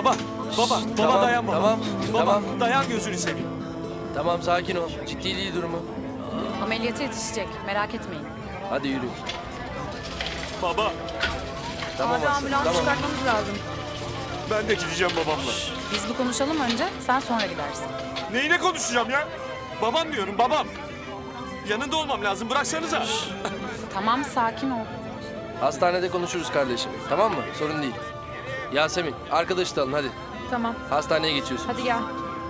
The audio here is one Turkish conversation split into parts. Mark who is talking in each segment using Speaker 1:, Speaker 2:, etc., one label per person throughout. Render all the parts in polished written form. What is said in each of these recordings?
Speaker 1: Baba, baba
Speaker 2: Tamam,
Speaker 1: dayan baba.
Speaker 2: tamam,
Speaker 1: Baba,
Speaker 2: tamam.
Speaker 1: dayan gözünü seveyim.
Speaker 2: Tamam sakin ol. Ciddi değil durumu.
Speaker 3: Ameliyata yetişecek. Merak etmeyin.
Speaker 2: Hadi yürü.
Speaker 1: Baba,
Speaker 2: Tamam
Speaker 3: Abi
Speaker 2: Aslı,
Speaker 3: ambulans
Speaker 2: tamam.
Speaker 3: çıkartmamız lazım.
Speaker 1: ben de gideceğim babamla.
Speaker 3: Biz bir konuşalım önce. Sen sonra gidersin.
Speaker 1: Neyine konuşacağım ya? Babam diyorum, babam. Yanında olmam lazım, bıraksanıza.
Speaker 3: Tamam sakin ol.
Speaker 2: Hastanede konuşuruz kardeşim. Tamam mı? Sorun değil. Yasemin, arkadaşı da alın hadi.
Speaker 3: Tamam.
Speaker 2: Hastaneye geçiyorsun.
Speaker 3: Hadi gel.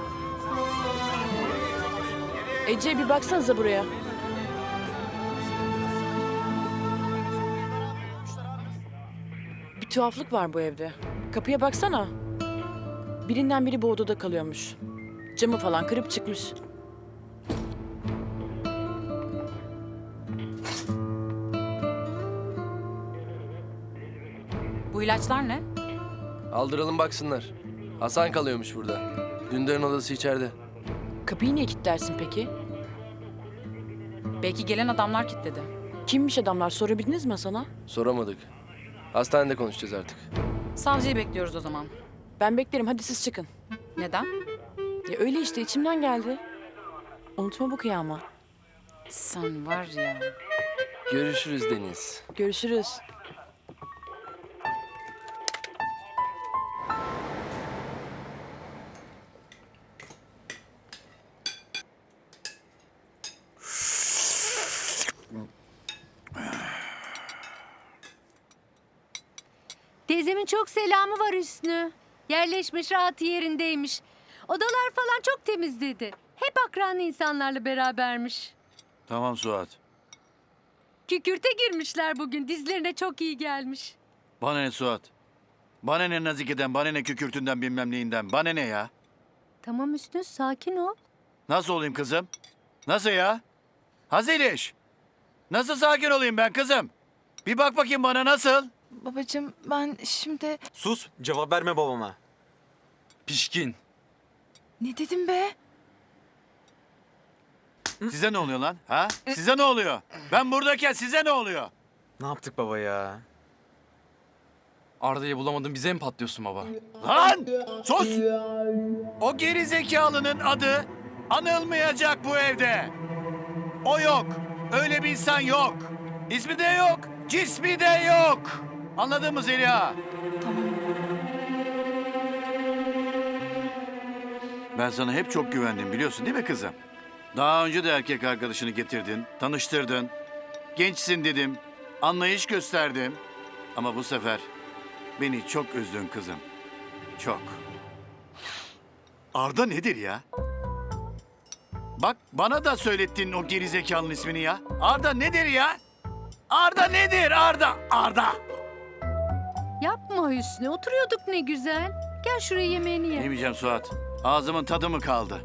Speaker 4: Ece bir baksanıza buraya. Bir tuhaflık var bu evde. Kapıya baksana. Birinden biri bu odada kalıyormuş. Camı falan kırıp çıkmış.
Speaker 3: Bu ilaçlar ne?
Speaker 2: Aldıralım baksınlar. Hasan kalıyormuş burada. Dündar'ın odası içeride.
Speaker 4: Kapıyı niye kilitlersin peki?
Speaker 3: Belki gelen adamlar kilitledi.
Speaker 4: Kimmiş adamlar, sorabildiniz mi sana?
Speaker 2: Soramadık. Hastanede konuşacağız artık.
Speaker 3: Savcıyı bekliyoruz o zaman.
Speaker 4: Ben beklerim, hadi siz çıkın.
Speaker 3: Neden?
Speaker 4: Ya öyle işte, içimden geldi. Unutma bu kıyama.
Speaker 3: Sen var ya.
Speaker 2: Görüşürüz Deniz.
Speaker 4: Görüşürüz.
Speaker 5: Teyzemin çok selamı var Hüsnü. Yerleşmiş, rahat yerindeymiş. Odalar falan çok temiz dedi. Hep akranlı insanlarla berabermiş.
Speaker 6: Tamam Suat.
Speaker 5: Kükürte girmişler bugün. Dizlerine çok iyi gelmiş.
Speaker 6: Bana ne Suat? Bana ne Nazike'den, bana ne kükürtünden bilmem neyinden, bana ne ya?
Speaker 5: Tamam Hüsnü, sakin ol.
Speaker 6: Nasıl olayım kızım? Nasıl ya? Haziliş. Nasıl sakin olayım ben kızım? Bir bak bakayım bana nasıl?
Speaker 7: Babacığım ben şimdi...
Speaker 1: Sus, cevap verme babama. Pişkin.
Speaker 7: Ne dedim be?
Speaker 6: Size ne oluyor lan? Ha? Size ne oluyor? Ben buradayken size ne oluyor?
Speaker 1: Ne yaptık baba ya?
Speaker 8: Arda'yı bulamadın bize mi patlıyorsun baba?
Speaker 6: Lan! Sus! O geri zekalının adı anılmayacak bu evde. O yok. Öyle bir insan yok. İsmi de yok. Cismi de yok. Anladın mı Zeliha? Ben sana hep çok güvendim biliyorsun değil mi kızım? Daha önce de erkek arkadaşını getirdin, tanıştırdın. Gençsin dedim, anlayış gösterdim. Ama bu sefer beni çok üzdün kızım. Çok. Arda nedir ya? Bak bana da söylettin o gerizekalının ismini ya. Arda nedir ya? Arda nedir Arda? Arda!
Speaker 5: Yapma Hüsnü, oturuyorduk ne güzel. Gel şuraya yemeğini ye.
Speaker 6: Yemeyeceğim Suat. Ağzımın tadı mı kaldı?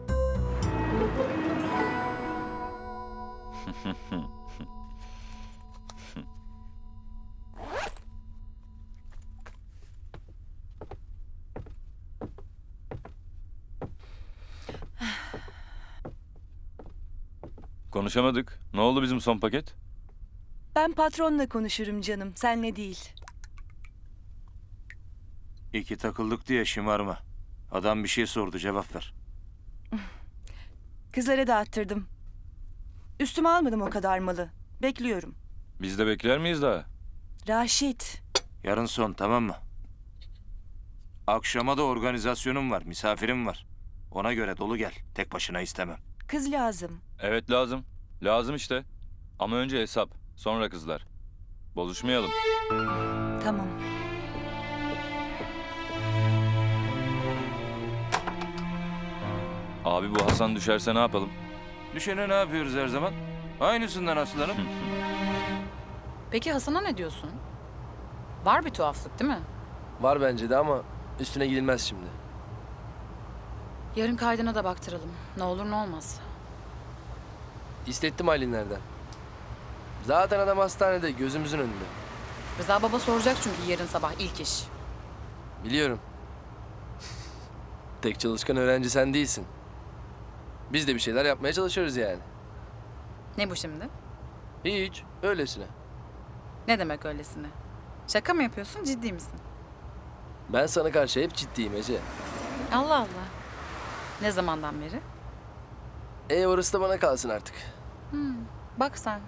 Speaker 9: Konuşamadık. Ne oldu bizim son paket?
Speaker 7: Ben patronla konuşurum canım, senle değil.
Speaker 6: İki takıldık diye şımarma. Adam bir şey sordu cevap ver.
Speaker 7: Kızlara dağıttırdım. Üstüme almadım o kadar malı. Bekliyorum.
Speaker 9: Biz de bekler miyiz daha?
Speaker 7: Raşit,
Speaker 6: Yarın son tamam mı? Akşama da organizasyonum var, misafirim var. Ona göre dolu gel. Tek başına istemem.
Speaker 7: kız lazım.
Speaker 9: Evet lazım. Lazım işte. Ama önce hesap. Sonra kızlar. Bozuşmayalım.
Speaker 7: Tamam.
Speaker 9: Abi bu Hasan düşerse ne yapalım?
Speaker 6: Düşene ne yapıyoruz her zaman? Aynısından aslanım.
Speaker 3: Peki Hasan'a ne diyorsun? Var bir tuhaflık değil mi?
Speaker 2: Var bence de ama üstüne gidilmez şimdi.
Speaker 3: Yarın kaydına da baktıralım. Ne olur ne olmaz.
Speaker 2: İstettim Aylinlerden. Zaten adam hastanede gözümüzün önünde.
Speaker 3: Rıza baba soracak çünkü yarın sabah ilk iş.
Speaker 2: Biliyorum. Tek çalışkan öğrenci sen değilsin. Biz de bir şeyler yapmaya çalışıyoruz yani.
Speaker 3: Ne bu şimdi?
Speaker 2: Hiç, öylesine.
Speaker 3: Ne demek öylesine? Şaka mı yapıyorsun, ciddi misin?
Speaker 2: Ben sana karşı hep ciddiyim Ece.
Speaker 3: Allah Allah. Ne zamandan beri?
Speaker 2: Orası da bana kalsın artık.
Speaker 3: Bak sen.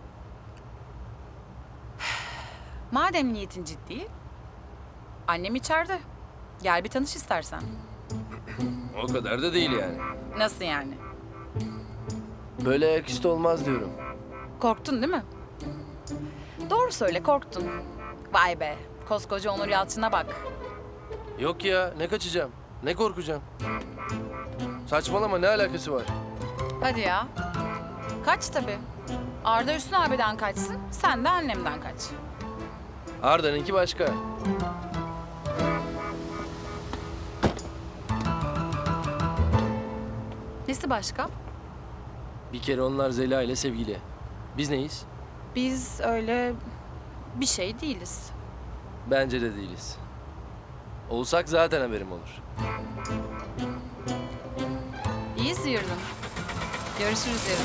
Speaker 3: Madem niyetin ciddi, annem içeride. Gel bir tanış istersen.
Speaker 2: O kadar da değil yani.
Speaker 3: Nasıl yani?
Speaker 2: Böyle ayaküstü olmaz diyorum.
Speaker 3: Korktun değil mi? Doğru söyle, korktun. Vay be, koskoca Onur Yalçın'a bak.
Speaker 2: Yok ya, ne kaçacağım? Ne korkacağım? Saçmalama, ne alakası var?
Speaker 3: Hadi ya. Kaç tabii. Arda Hüsnü abiden kaçsın, sen de annemden kaç.
Speaker 2: Arda'nınki başka.
Speaker 3: Nesi başka?
Speaker 2: Bir kere onlar Zeliha ile sevgili. Biz neyiz?
Speaker 3: Biz öyle bir şey değiliz.
Speaker 2: Bence de değiliz. Olsak zaten haberim olur.
Speaker 3: İyi sıyırdın. Görüşürüz yarın.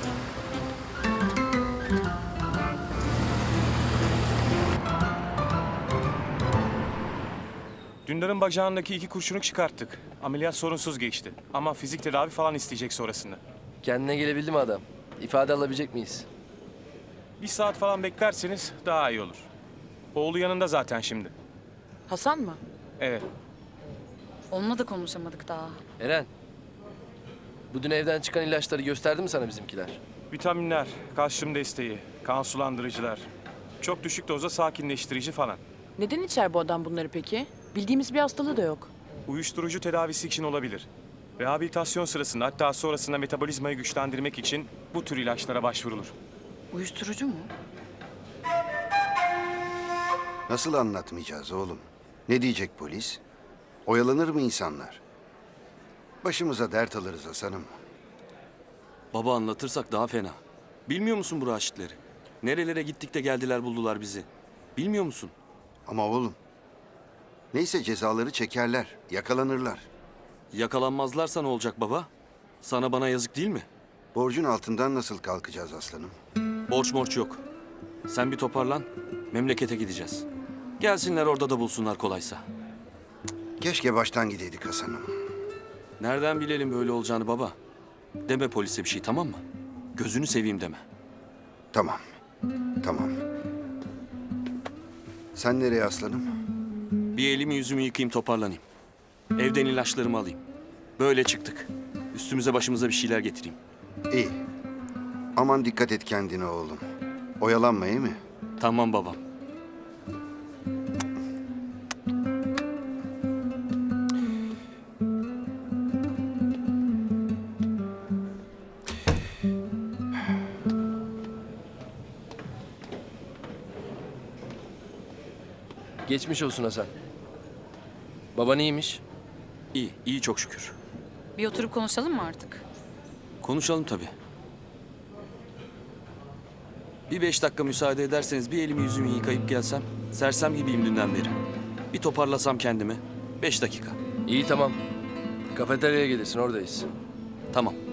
Speaker 1: Dündar'ın bacağındaki 2 kurşunu çıkarttık. Ameliyat sorunsuz geçti. Ama fizik tedavi falan isteyecek sonrasında.
Speaker 2: Kendine gelebildi mi adam? İfade alabilecek miyiz?
Speaker 1: 1 saat falan beklerseniz daha iyi olur. Oğlu yanında zaten şimdi.
Speaker 4: Hasan mı?
Speaker 1: Evet.
Speaker 3: Onunla da konuşamadık daha.
Speaker 2: Eren, bu dün evden çıkan ilaçları gösterdi mi sana bizimkiler?
Speaker 1: Vitaminler, kalsiyum desteği, kan sulandırıcılar. Çok düşük dozda sakinleştirici falan.
Speaker 4: Neden içer bu adam bunları peki? Bildiğimiz bir hastalığı da yok.
Speaker 1: Uyuşturucu tedavisi için olabilir. Rehabilitasyon sırasında hatta sonrasında metabolizmayı güçlendirmek için bu tür ilaçlara başvurulur.
Speaker 3: Uyuşturucu mu?
Speaker 10: Nasıl anlatmayacağız oğlum? Ne diyecek polis? Oyalanır mı insanlar? Başımıza dert alırız Hasan'ım.
Speaker 8: Baba anlatırsak daha fena. Bilmiyor musun bu raşitleri? Nerelere gittik de geldiler buldular bizi. Bilmiyor musun?
Speaker 10: Ama oğlum, neyse cezaları çekerler, yakalanırlar.
Speaker 8: Yakalanmazlarsa ne olacak baba? Sana bana yazık değil mi?
Speaker 10: Borcun altından nasıl kalkacağız aslanım?
Speaker 8: Borç morç yok. Sen bir toparlan, memlekete gideceğiz. Gelsinler orada da bulsunlar kolaysa.
Speaker 10: Keşke baştan gideydik Hasan'ım.
Speaker 8: Nereden bilelim böyle olacağını baba? Deme polise bir şey, tamam mı? Gözünü seveyim deme.
Speaker 10: Tamam, tamam. Sen nereye aslanım?
Speaker 8: Bir elimi yüzümü yıkayayım, toparlanayım. Evden ilaçlarımı alayım. Böyle çıktık. Üstümüze başımıza bir şeyler getireyim.
Speaker 10: İyi. Aman dikkat et kendine oğlum. Oyalanma iyi mi?
Speaker 8: Tamam babam.
Speaker 2: Geçmiş olsun Hasan. Baban iyiymiş.
Speaker 8: İyi, iyi çok şükür.
Speaker 3: Bir oturup konuşalım mı artık?
Speaker 8: Konuşalım tabii. Bir 5 dakika müsaade ederseniz bir elimi yüzümü yıkayıp gelsem. Sersem gibiyim dünden beri. Bir toparlasam kendimi. 5 dakika.
Speaker 2: İyi tamam. Kafeteryaya gelirsin, oradayız.
Speaker 8: Tamam.